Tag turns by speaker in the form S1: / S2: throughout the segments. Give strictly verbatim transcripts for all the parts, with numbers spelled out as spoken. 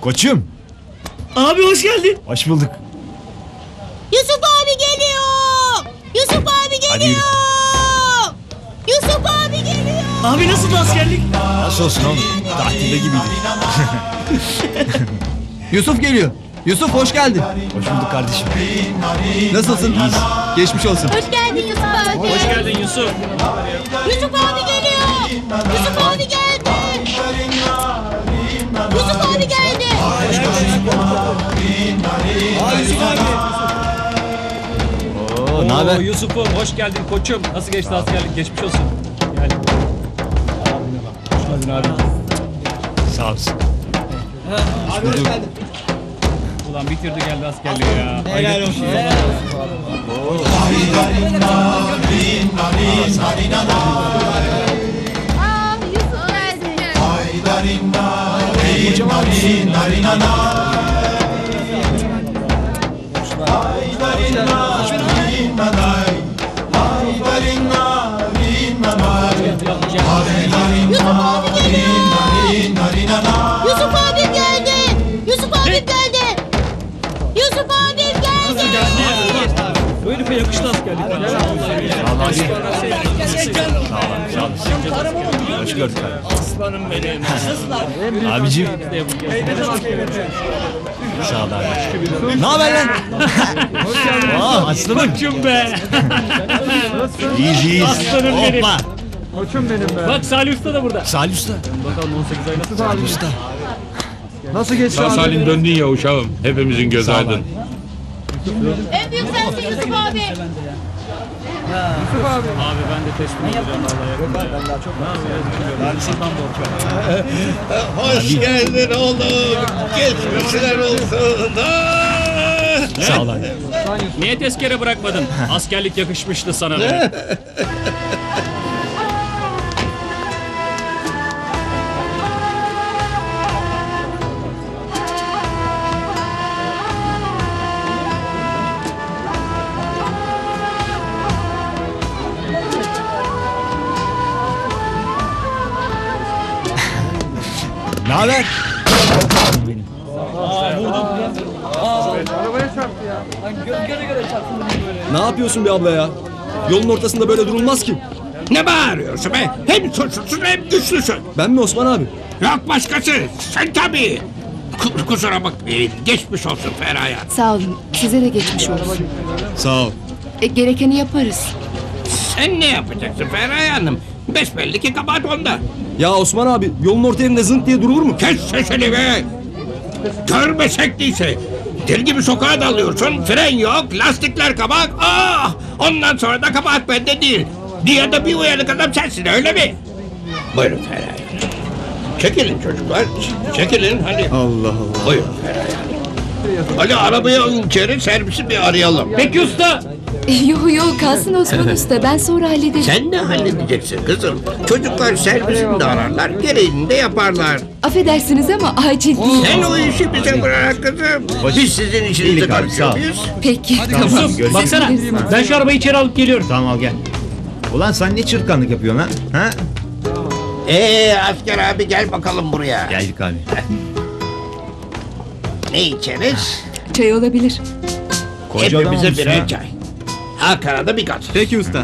S1: Koçum.
S2: Abi hoş geldin.
S1: Hoş bulduk.
S3: Yusuf abi geliyor. Yusuf abi
S1: Hadi yürü.
S3: geliyor. Yusuf abi geliyor.
S2: Abi nasıl askerlik?
S1: Nasıl olsun oğlum? Tatilde gibiydi.
S4: Yusuf geliyor. Yusuf hoş geldin.
S1: Hoş bulduk kardeşim.
S4: Nasılsın?
S1: İyiyiz.
S4: Geçmiş olsun.
S3: Hoş geldin Yusuf abi.
S2: Hoş geldin Yusuf.
S3: Yusuf abi geliyor. Yusuf abi geldi. Yusuf abi geldi.
S1: Oo, ne haber?
S5: Oo, Yusuf'um hoş geldin koçum. Nasıl geçti askerlik? Geçmiş olsun. Gel. Hoş geldin abi.
S1: Sağ olasın.
S4: Abi hoş geldin.
S5: Ulan bitirdi geldi askerliği ya. Helal olsun.
S3: Aa, Yusuf geldi. Yusuf abi geliyor. Yusuf abi geldi. Yusuf abi geldi. Yusuf abi geldi.
S5: Bu herife yakıştı askerlik.
S1: Sağ ol. Hoş gördük abi. Aslanım benim. Abicim. Sağ ol abi. Ne haber lan? Aa, aslanım.
S5: Koçum be.
S1: İyiyiz iyiyiz.
S5: Aslanım benim.
S1: Hoppa.
S5: Bak Salih Usta da burada.
S1: Salih Usta.
S5: Bakalım on sekiz ay nasıl?
S1: Salih Usta.
S4: Nasıl geçti
S6: Sağ salim döndün ya uşağım. Hepimizin göz
S1: Sağ ol
S6: aydın.
S1: abi.
S3: En büyük sensin Yusuf abi.
S5: Abi ben de teslim olacağım vallahi. Ben daha çok
S7: Hoş geldin oğlum. Geçmişler olsun. Ah!
S1: Sağ ol abi.
S5: Niye tezkere bırakmadın? Askerlik yakışmıştı sana be.
S1: Ne haber?
S4: Ne yapıyorsun be abla ya? Yolun ortasında böyle durulmaz ki.
S7: Ne bağırıyorsun be? Hem suçlusun hem güçlüsün.
S4: Ben mi Osman abi?
S7: Yok başkası. Sen tabii. K- kusura bakmayın. Geçmiş olsun Feraye.
S8: Sağ olun. Size de geçmiş olsun.
S4: Sağ ol.
S8: E, gerekeni yaparız.
S7: Sen ne yapacaksın Feraye Hanım? Besbelli ki kabahat onda.
S4: Ya Osman abi yolun orta yerinde zınt diye durulur mu?
S7: Kes sesini be. Görmesek değilse. Deli gibi sokağa dalıyorsun. Fren yok. Lastikler kabak. Ah! Ondan sonra da kabahat bende değil. Diye de bir uyanık adam sensin öyle mi? Buyurun Feraye Hanım. Çekilin çocuklar. ç- Çekilin hadi.
S4: Allah Allah.
S7: Buyurun Feraye Hanım. Hadi arabayı alın içeri, servisi bir arayalım.
S5: Peki usta.
S8: E, yo yo kalsın Osman Usta. Ben sonra hallederim.
S7: Sen ne halledeceksin kızım? Çocuklar servisini de ararlar, gereğini de yaparlar.
S8: Affedersiniz ama acil değil.
S7: Sen o işi bize bırak kızım. Biz sizin işinize
S1: İyilik abi, sağ
S7: karışıyor
S1: ol.
S7: muyuz?
S8: Peki tamam.
S5: Yusuf
S1: görüşürüz.
S5: baksana. Ben şu arabayı içeri alıp geliyorum.
S1: Tamam al gel. Ulan sen ne çırtkanlık yapıyorsun ha? Ha?
S7: Ee asker abi gel bakalım buraya.
S1: Geldik abi.
S7: Ne içeriz?
S8: Çay olabilir.
S1: Koca adam
S7: Hepimize
S1: olmuşsun
S7: birer
S1: ha.
S7: çay. Hakan'a da bir kat.
S4: Peki usta.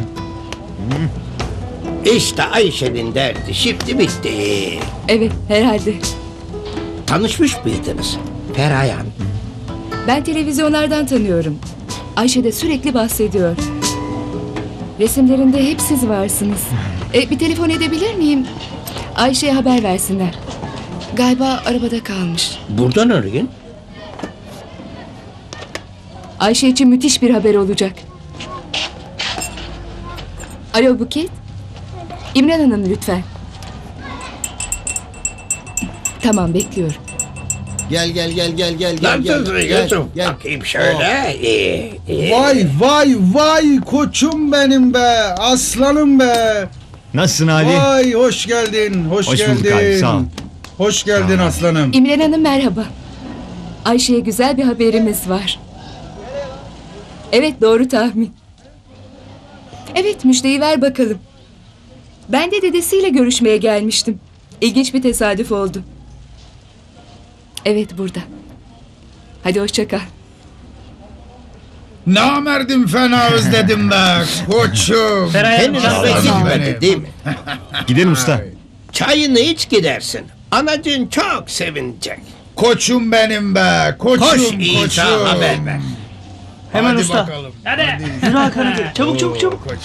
S7: İşte Ayşe'nin derdi şimdi bitti.
S8: Evet herhalde.
S7: Tanışmış mıydınız? Feraye Hanım.
S8: Ben televizyonlardan tanıyorum. Ayşe de sürekli bahsediyor. Resimlerinde hep siz varsınız. E, bir telefon edebilir miyim? Ayşe'ye haber versinler. Galiba arabada kalmış.
S7: Buradan arayın.
S8: Ayşe için müthiş bir haber olacak. Alo Buket. İmran Hanım lütfen. Tamam bekliyorum.
S4: Gel gel gel gel gel gel gel.
S7: Nasılsın
S4: gel,
S7: Yusuf?
S4: gel.
S7: Bakayım şöyle. İyi, iyi.
S9: Vay vay vay koçum benim be aslanım be.
S1: Nasılsın Ali?
S9: Vay hoş geldin hoş,
S1: Hoş
S9: geldin.
S1: bulduk abi, sağ ol.
S9: Hoş geldin aslanım.
S8: İmran Hanım merhaba. Ayşe'ye güzel bir haberimiz var. Evet doğru tahmin. Evet müjdeyi ver bakalım. Ben de dedesiyle görüşmeye gelmiştim. İlginç bir tesadüf oldu. Evet burada. Hadi hoşça kal.
S9: Namerdim fena özledim be koçum.
S7: Henüz eve
S9: Aslanım
S7: gitmedi
S9: benim.
S7: değil mi?
S1: Gidelim usta.
S7: Çayını iç gidersin. Anacığın çok sevinecek.
S9: Koçum benim be koçum
S7: Koş İsa
S9: koçum.
S7: haber ver.
S2: Hemen
S9: Hadi
S2: usta.
S9: bakalım.
S2: Hadi. Yürü Hakan hadi. Çabuk çabuk çabuk.